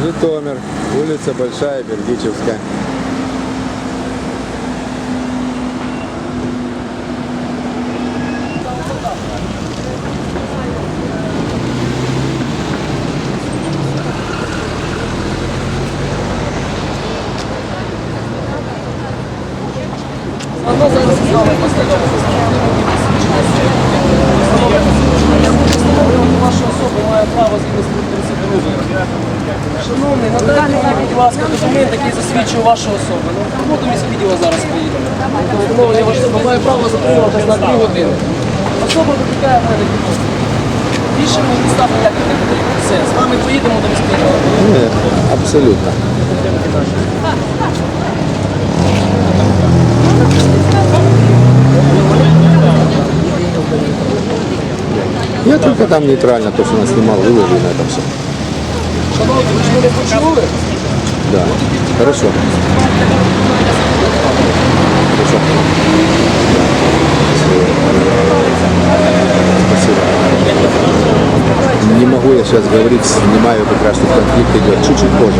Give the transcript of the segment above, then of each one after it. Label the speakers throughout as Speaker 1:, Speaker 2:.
Speaker 1: Житомир, улица Большая, Бердичевская.
Speaker 2: Ваша особа має право згідно з 32. Шановний, надайте мені, будь ласка, документ, який засвідчує вашу особу. Ну, до міськвідділу зараз поїде. Встановлення вашої особи має право затримуватись на 2 години. Особа викликає в мене підозру. Більше мені підстав ніяких не потрібно. Все, з вами поїдемо до міськвідділу.
Speaker 1: Нет, абсолютно. Я только там нейтрально то, что нас снимал, выложил на этом все.
Speaker 2: Шановні, ви ж мене почули?
Speaker 1: Да. Хорошо. Хорошо. Спасибо. Не могу я сейчас говорить, снимаю, как раз тут конфликт идет. Чуть-чуть позже.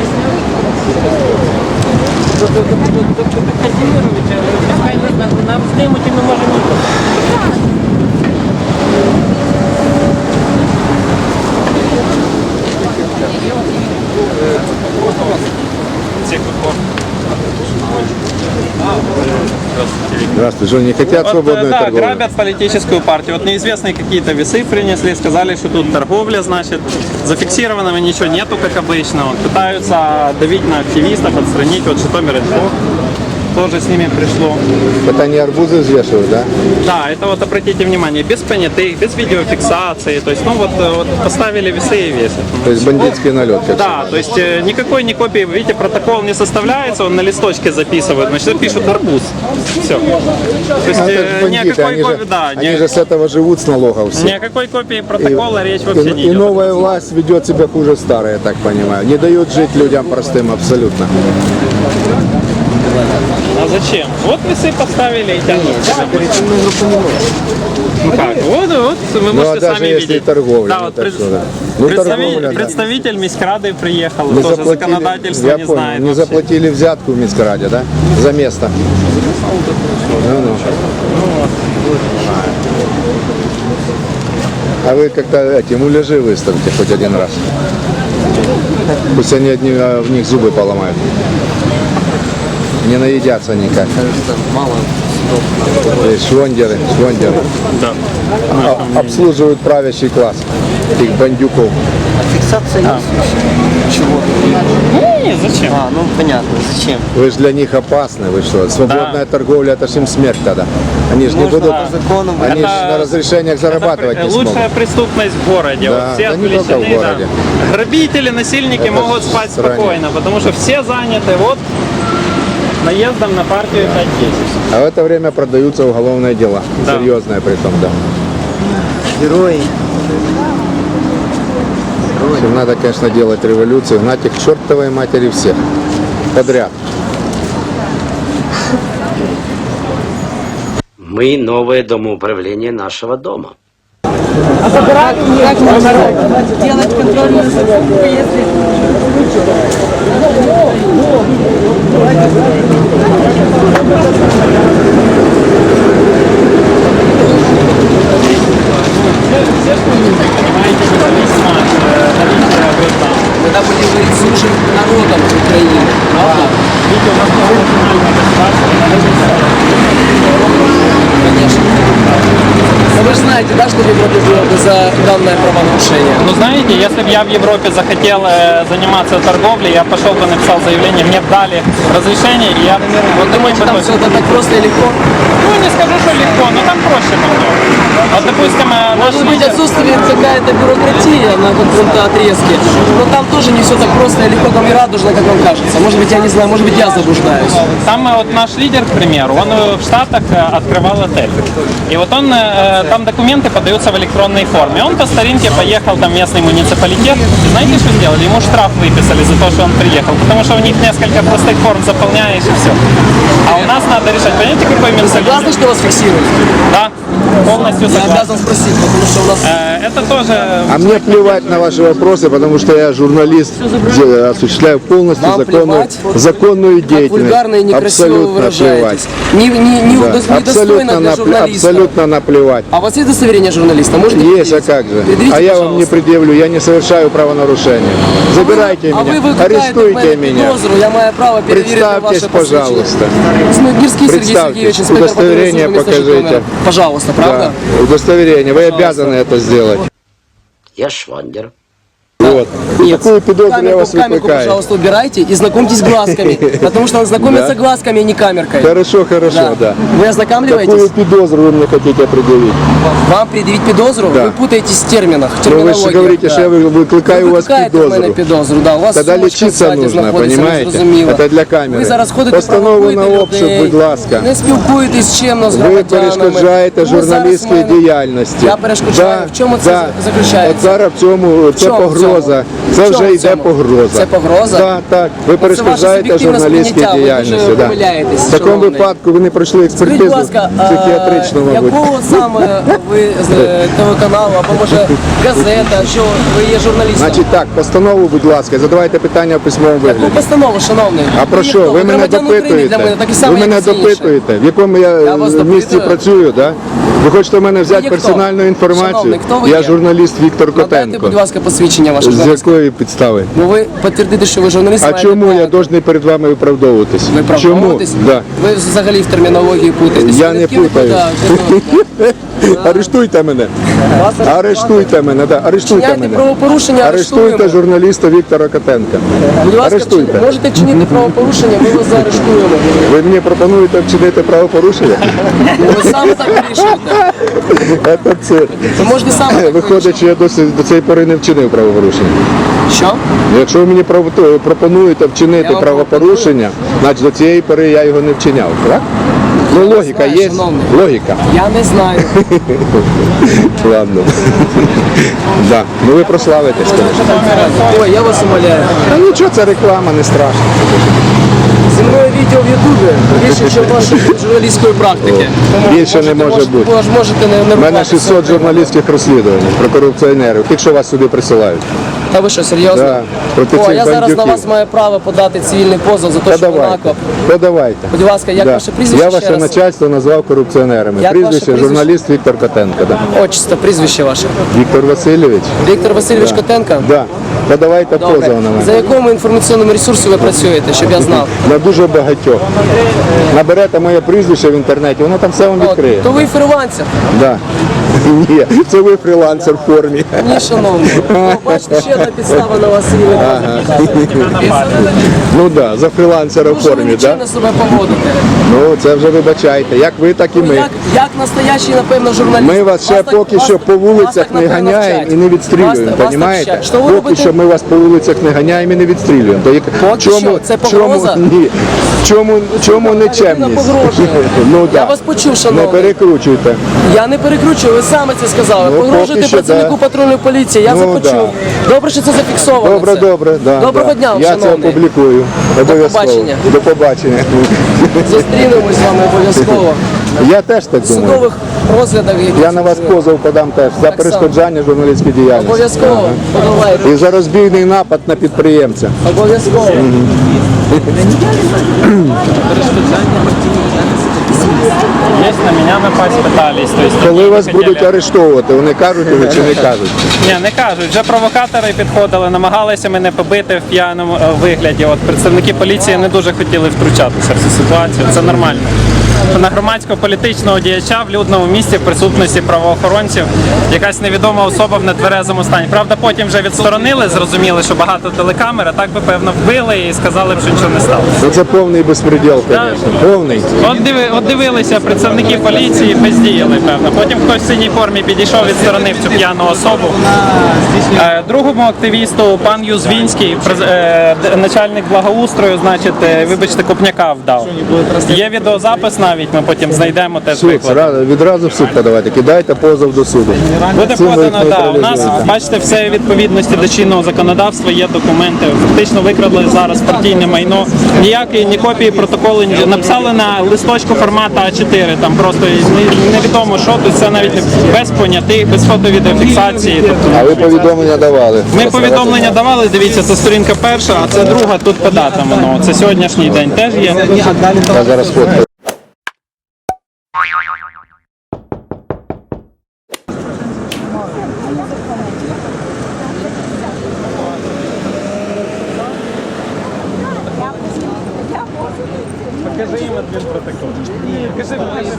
Speaker 2: Нам знімуть і ми можемо.
Speaker 1: Здравствуйте, Жень, не хотят свободную
Speaker 3: да,
Speaker 1: торговлю?
Speaker 3: грабят политическую партию. Вот неизвестные какие-то весы принесли, сказали, что тут торговля, значит, зафиксированного ничего нету, как обычно. Вот, пытаются давить на активистов, отстранить. Вот Житомир.Инфо тоже с ними пришло.
Speaker 1: Это они арбузы взвешивают, да?
Speaker 3: Да, это вот обратите внимание, без понятых, без видеофиксации. То есть, ну вот поставили весы и весят.
Speaker 1: То есть бандитский налет.
Speaker 3: Да, то есть никакой не копии, видите, протокол не составляется, он на листочке записывает, значит, пишут арбуз. Все. То есть никакой копии, да,
Speaker 1: они же с этого живут, с налогов все.
Speaker 3: никакой копии протокола речь вообще не
Speaker 1: И
Speaker 3: идет.
Speaker 1: новая власть ведет себя хуже старой, я так понимаю. Не дают жить людям простым абсолютно.
Speaker 3: А зачем? Вот весы поставили и тянут. Ну как? Вот, вы можете
Speaker 1: даже
Speaker 3: сами
Speaker 1: если
Speaker 3: видеть.
Speaker 1: торговля,
Speaker 3: Да,
Speaker 1: ну
Speaker 3: вот
Speaker 1: так что, да. Ну, торговля, да.
Speaker 3: представитель Міськради приехал,
Speaker 1: Не
Speaker 3: тоже
Speaker 1: заплатили,
Speaker 3: законодательство
Speaker 1: я
Speaker 3: не
Speaker 1: понял,
Speaker 3: знает.
Speaker 1: не
Speaker 3: вообще.
Speaker 1: заплатили взятку в Минскраде, да? За место. Ну. А вы как-то эти муляжи выставьте хоть один раз. Пусть они одни, в них зубы поломают. Не наедятся никак.
Speaker 2: Мало.
Speaker 1: Швондеры.
Speaker 3: Да.
Speaker 1: Обслуживают правящий класс. Их бандюков.
Speaker 2: А фиксация есть? Чего?
Speaker 3: Не, зачем?
Speaker 2: А, ну понятно, зачем?
Speaker 1: Вы же для них опасны, вы что? Свободная торговля, это ж им смерть тогда. Они же не
Speaker 2: Можно
Speaker 1: будут,
Speaker 2: по закону.
Speaker 1: они же
Speaker 3: Это-
Speaker 1: на разрешениях зарабатывать не смогут.
Speaker 3: Лучшая преступность в городе.
Speaker 1: Да,
Speaker 3: вот все
Speaker 1: да не только в
Speaker 3: отвлечены,
Speaker 1: городе.
Speaker 3: да. Грабители, насильники
Speaker 1: Это
Speaker 3: могут спать
Speaker 1: стране.
Speaker 3: спокойно, потому что все заняты вот наездом на партию 5-10.
Speaker 1: А в это время продаются уголовные дела.
Speaker 3: Да.
Speaker 1: Серьезные при том, да.
Speaker 2: Герои.
Speaker 1: В общем, надо, конечно, делать революцию, гнать их к чертовой матери всех. Подряд.
Speaker 4: Мы новое домоуправление нашего дома.
Speaker 5: Делать контрольную закупку, если...
Speaker 2: Когда будем говорить служить народом Украины. Конечно. Но вы же знаете, да, что в Европе было бы за данное правонарушение?
Speaker 3: Ну знаете, если бы я в Европе захотел заниматься торговлей, я пошел бы написал заявление, мне бы дали разрешение, и я...
Speaker 2: Вот думаете, там все это так просто и легко?
Speaker 3: Ну не скажу, что легко, но там проще намного. Вот допустим, наш
Speaker 2: Может быть,
Speaker 3: лидер...
Speaker 2: отсутствует какая-то бюрократия на каком-то отрезке, но там тоже не все так просто и легко, там и радужно, как вам кажется. Может быть, я не знаю, может быть, я заблуждаюсь.
Speaker 3: Там вот наш лидер, к примеру, он в Штатах открывал отель. И вот он, там документы подаются в электронной форме. Он по старинке поехал там в местный муниципалитет. И знаете, что сделали? Ему штраф выписали за то, что он приехал. Потому что у них несколько простых форм заполняешь и все. А у нас надо решать. Понимаете, какой менталитет?
Speaker 2: Согласны, что вас фиксируют?
Speaker 3: Да. полностью
Speaker 2: Я
Speaker 3: согласен.
Speaker 2: обязан спросить, потому что у нас...
Speaker 3: Это тоже...
Speaker 1: А мне плевать на ваши вопросы, потому что я журналист, осуществляю полностью
Speaker 2: Вам плевать?
Speaker 1: законную
Speaker 2: Как
Speaker 1: деятельность.
Speaker 2: вульгарно и некрасиво вы
Speaker 1: Абсолютно
Speaker 2: выражаетесь.
Speaker 1: плевать.
Speaker 2: Недостойно для журналиста.
Speaker 1: Абсолютно наплевать.
Speaker 2: А у вас есть удостоверение журналиста? Можете
Speaker 1: Есть, а
Speaker 2: предъявить?
Speaker 1: как же?
Speaker 2: Предъявите,
Speaker 1: А я вам не
Speaker 2: пожалуйста.
Speaker 1: предъявлю, я не совершаю правонарушения. Забирайте
Speaker 2: А вы
Speaker 1: меня,
Speaker 2: викликаєте в
Speaker 1: арестуйте
Speaker 2: мене
Speaker 1: меня.
Speaker 2: підозру, я маю право перевірити
Speaker 1: Представьтесь,
Speaker 2: ваше посвідчення.
Speaker 1: пожалуйста.
Speaker 2: Гирский Сергей
Speaker 1: Представьтесь,
Speaker 2: Сергеевич, инспектор
Speaker 1: удостоверение
Speaker 2: патрульной службы места
Speaker 1: покажите.
Speaker 2: Житомира. Пожалуйста, правда?
Speaker 1: Да, удостоверение, вы обязаны это сделать.
Speaker 4: Я Швандер.
Speaker 1: Вот. И такую педофилию я вас
Speaker 2: камерку,
Speaker 1: выкликаю.
Speaker 2: пожалуйста, убирайте и знакомьтесь с глазками. Потому что он знакомится
Speaker 1: Да.
Speaker 2: глазками, а не камеркой.
Speaker 1: Хорошо, да.
Speaker 2: Вы ознакомливаетесь?
Speaker 1: Какую педозру вы мне хотите определить?
Speaker 2: Вам предъявить подозру?
Speaker 1: Да.
Speaker 2: Вы путаетесь в терминах, в
Speaker 1: Ну вы
Speaker 2: терминологии.
Speaker 1: же говорите, что я выкликаю у вас
Speaker 2: викликаєте в мене
Speaker 1: педозру.
Speaker 2: підозру, да. У вас
Speaker 1: Тогда
Speaker 2: сумочка
Speaker 1: лечиться
Speaker 2: ззаді
Speaker 1: нужно,
Speaker 2: знаходиться,
Speaker 1: понимаете?
Speaker 2: незрозуміло.
Speaker 1: Это для камеры.
Speaker 2: Ви зараз ходите,
Speaker 1: Постанову
Speaker 2: провокуєте
Speaker 1: на обшук,
Speaker 2: людей,
Speaker 1: будь ласка.
Speaker 2: не спілкуєтесь чимно з
Speaker 1: Ви
Speaker 2: громадянами.
Speaker 1: перешкоджаєте
Speaker 2: Ви зараз
Speaker 1: журналістській
Speaker 2: мене-
Speaker 1: діяльності.
Speaker 2: Я перешкоджаю. В чому це заключається?
Speaker 1: От зараз в цьому це
Speaker 2: чому
Speaker 1: погроза.
Speaker 2: в
Speaker 1: Це
Speaker 2: чому
Speaker 1: вже
Speaker 2: в
Speaker 1: йде
Speaker 2: цьому?
Speaker 1: погроза.
Speaker 2: Це погроза?
Speaker 1: Так. Ви перешкоджаєте
Speaker 2: суб'єктивне
Speaker 1: журналістській
Speaker 2: сприйняття, ви
Speaker 1: діяльності.
Speaker 2: дуже
Speaker 1: да.
Speaker 2: помиляєтесь,
Speaker 1: В такому
Speaker 2: шановний.
Speaker 1: випадку ви не пройшли
Speaker 2: Скажіть, будь
Speaker 1: експертизу
Speaker 2: ласка,
Speaker 1: психіатричну, мабуть.
Speaker 2: якого саме ви з телеканалу, або може газета, що ви є журналістом?
Speaker 1: Значить так, постанову, будь ласка, задавайте питання в письмовому
Speaker 2: Яку
Speaker 1: вигляді.
Speaker 2: постанову, шановний?
Speaker 1: А про що? Ви мене
Speaker 2: громадян України для
Speaker 1: допитуєте?
Speaker 2: мене, так і само,
Speaker 1: Ви мене
Speaker 2: як всі інші.
Speaker 1: допитуєте, в якому я
Speaker 2: Я вас
Speaker 1: місці
Speaker 2: допитую.
Speaker 1: працюю, да? Ви хочете в мене взяти
Speaker 2: є хто?
Speaker 1: персональну інформацію?
Speaker 2: Шановний, хто ви
Speaker 1: Я
Speaker 2: є?
Speaker 1: журналіст Віктор
Speaker 2: Надайте,
Speaker 1: Котенко.
Speaker 2: будь ласка, посвідчення ваше.
Speaker 1: З
Speaker 2: журналістське.
Speaker 1: якої підстави?
Speaker 2: Ну ви підтвердите, що ви журналіст.
Speaker 1: А
Speaker 2: маєте
Speaker 1: чому
Speaker 2: право.
Speaker 1: я должен перед вами виправдовуватись?
Speaker 2: Ви
Speaker 1: Чому?
Speaker 2: правдовуєтесь?
Speaker 1: Да.
Speaker 2: Ви взагалі в термінології путаєтесь.
Speaker 1: Я
Speaker 2: Ви
Speaker 1: не
Speaker 2: такі ви
Speaker 1: путаюсь.
Speaker 2: куди?
Speaker 1: Арештуйте мене. Арештуйте мене, да. Арештуйте
Speaker 2: Вчиняйте
Speaker 1: мене.
Speaker 2: правопорушення,
Speaker 1: Арештуйте
Speaker 2: арештуємо.
Speaker 1: журналіста Віктора Котенка.
Speaker 2: Будь ласка,
Speaker 1: Арештуйте.
Speaker 2: можете вчинити правопорушення, ми вас заарештуємо.
Speaker 1: Ви мені пропонуєте вчинити правопорушення?
Speaker 2: Ви саме так вирішуєте.
Speaker 1: Це цирк.
Speaker 2: Ви можете саме так
Speaker 1: Виходить, що я до цієї пори не вчинив правопорушення.
Speaker 2: Що?
Speaker 1: Якщо ви мені пропонуєте
Speaker 2: Я
Speaker 1: вчинити
Speaker 2: вам
Speaker 1: правопорушення, значить до цієї пори я його не вчиняв, так? Ну логіка
Speaker 2: знаю,
Speaker 1: є,
Speaker 2: шановний.
Speaker 1: логіка.
Speaker 2: Я не знаю.
Speaker 1: Ладно. Да. Ну ви прославитесь. конечно.
Speaker 2: Ой, я вас умоляю.
Speaker 1: Та нічого, це реклама, не страшно.
Speaker 2: Зі мною відео в Ютубі більше, ніж вашої журналістської практики. Тому
Speaker 1: Більше не може бути.
Speaker 2: Ви ж можете не
Speaker 1: У мене
Speaker 2: рухатися.
Speaker 1: 600 журналістських розслідувань про корупціонерів, тих, що вас сюди присилають.
Speaker 2: Та ви що, серйозно?
Speaker 1: Да, проти
Speaker 2: О,
Speaker 1: цих
Speaker 2: я зараз на
Speaker 1: бандюків.
Speaker 2: вас маю право подати цивільний позов за те, що ви
Speaker 1: Подавайте.
Speaker 2: наклеп.
Speaker 1: Подавайте.
Speaker 2: Будь ласка, як
Speaker 1: Да.
Speaker 2: ваше прізвище
Speaker 1: Я
Speaker 2: ще
Speaker 1: ваше
Speaker 2: раз?
Speaker 1: начальство назвав корупціонерами.
Speaker 2: Як ваше
Speaker 1: Прізвище
Speaker 2: прізвище?
Speaker 1: журналіст Віктор Котенко. Да.
Speaker 2: Отчество, прізвище ваше.
Speaker 1: Віктор Васильович.
Speaker 2: Віктор Васильович Котенко?
Speaker 1: Да. Подавайте
Speaker 2: Добре.
Speaker 1: позов на мене.
Speaker 2: За якому інформаційному ресурсі ви працюєте, щоб я знав?
Speaker 1: На дуже багатьох. Наберете моє прізвище в інтернеті, воно там все вам
Speaker 2: От,
Speaker 1: відкриє.
Speaker 2: то ви фрилансер.
Speaker 1: Да. Ні, це ви фрілансер в формі.
Speaker 2: Ні, шановний. О, бачите, ще одна підстава на вас є.
Speaker 1: Ну так, да, за фрілансера в
Speaker 2: Дуже ви
Speaker 1: формі,
Speaker 2: нічого
Speaker 1: так?
Speaker 2: на себе поводите.
Speaker 1: Ну це вже вибачайте. Як ви, так і ми.
Speaker 2: Як настоящий, напевно, журналіст.
Speaker 1: Ми вас ще поки що по вулицях не ганяємо і не відстрілюємо, розумієте?
Speaker 2: Що ви
Speaker 1: Поки
Speaker 2: робите?
Speaker 1: що ми вас по вулицях не ганяємо і не відстрілюємо. То як
Speaker 2: що? Це погроза?
Speaker 1: Ні. Чому не чемність?
Speaker 2: погрожує.
Speaker 1: Ну,
Speaker 2: Я
Speaker 1: да.
Speaker 2: вас почув,
Speaker 1: Не
Speaker 2: шановний.
Speaker 1: перекручуйте.
Speaker 2: Я не перекручую, ви саме це сказали.
Speaker 1: Ну,
Speaker 2: Погрожуєте
Speaker 1: поки що,
Speaker 2: працівнику
Speaker 1: да.
Speaker 2: патрульної поліції, я
Speaker 1: Ну,
Speaker 2: це почув. Добре, що це зафіксовано.
Speaker 1: Добре,
Speaker 2: це.
Speaker 1: добре. Да,
Speaker 2: Доброго
Speaker 1: да.
Speaker 2: дня,
Speaker 1: Я це
Speaker 2: шановний.
Speaker 1: опублікую. Обов'язково.
Speaker 2: побачення.
Speaker 1: До побачення.
Speaker 2: Зустрінемось з вами обов'язково.
Speaker 1: Я теж так
Speaker 2: В
Speaker 1: думаю.
Speaker 2: судових розглядах, які
Speaker 1: Я на вас позов подам теж за
Speaker 2: Так
Speaker 1: перешкоджання журналістської діяльності.
Speaker 2: обов'язково подавайте.
Speaker 1: І за розбійний напад на підприємця.
Speaker 2: Обов'язково.
Speaker 3: Есть на меня напасть пытались. То есть
Speaker 1: Коли
Speaker 3: они
Speaker 1: вас
Speaker 3: хотели-
Speaker 1: будуть арештовувати, вони кажуть уже чи не кажуть?
Speaker 3: Ні, не кажуть. Вже провокатори підходили, намагалися мене побити в п'яному вигляді. От представники поліції не дуже хотіли втручатися в цю ситуацію. Це нормально. На громадського політичного діяча в людному місці в присутності правоохоронців якась невідома особа в нетверезому стані. Правда, потім вже відсторонили, зрозуміли, що багато телекамер, а так би певно вбили і сказали б, що нічого не сталося.
Speaker 1: Ну це повний безпреділ,
Speaker 3: Да.
Speaker 1: звісно. Повний.
Speaker 3: От дивилися представники поліції, бездіяли, певно. Потім хтось в синій формі підійшов, відсторонив цю п'яну особу. Другому активісту, пан Юзвінський, начальник благоустрою, значить, вибачте, Копняка вдав. Є відеозапис наш, навіть ми потім знайдемо теж
Speaker 1: Суд,
Speaker 3: викладемо.
Speaker 1: відразу в суд подавайте, кидайте позов до суду.
Speaker 3: Буде
Speaker 1: Цим ви
Speaker 3: подано,
Speaker 1: їх
Speaker 3: да. У нас,
Speaker 1: нейтралізуєте.
Speaker 3: бачите, все у відповідності до чинного законодавства, є документи. Фактично викрадли зараз партійне майно. Ніякої ні копії протоколу, ні. Написали на листочку формату А4, там просто невідомо що, тут це навіть без понятих, без фото-відеофіксації. Тобто,
Speaker 1: А ви повідомлення давали?
Speaker 3: ми повідомлення давали, дивіться, це сторінка перша, а це друга, тут по датам воно. Це сьогоднішній день теж є.
Speaker 1: Я зараз фоткаю.
Speaker 3: Покажи їм адмінпротокол. Покажи,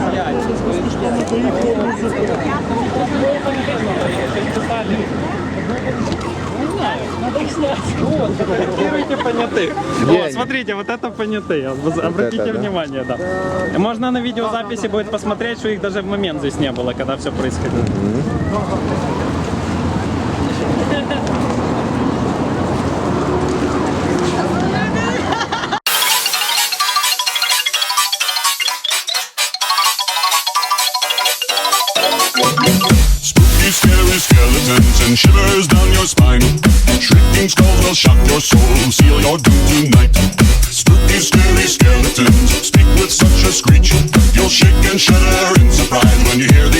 Speaker 3: Фотографируйте понятых. Вот, смотрите, вот это понятые. Обратите
Speaker 1: это, да?
Speaker 3: внимание, да. Можно на видеозаписи будет посмотреть, что их даже в момент здесь не было, когда все происходило.
Speaker 6: Spooky, scary skeletons and shivers down your spine. Shrieking skulls will shock your soul, seal your doom tonight. Spooky, scary skeletons speak with such a screech. You'll shake and shudder in surprise when you hear the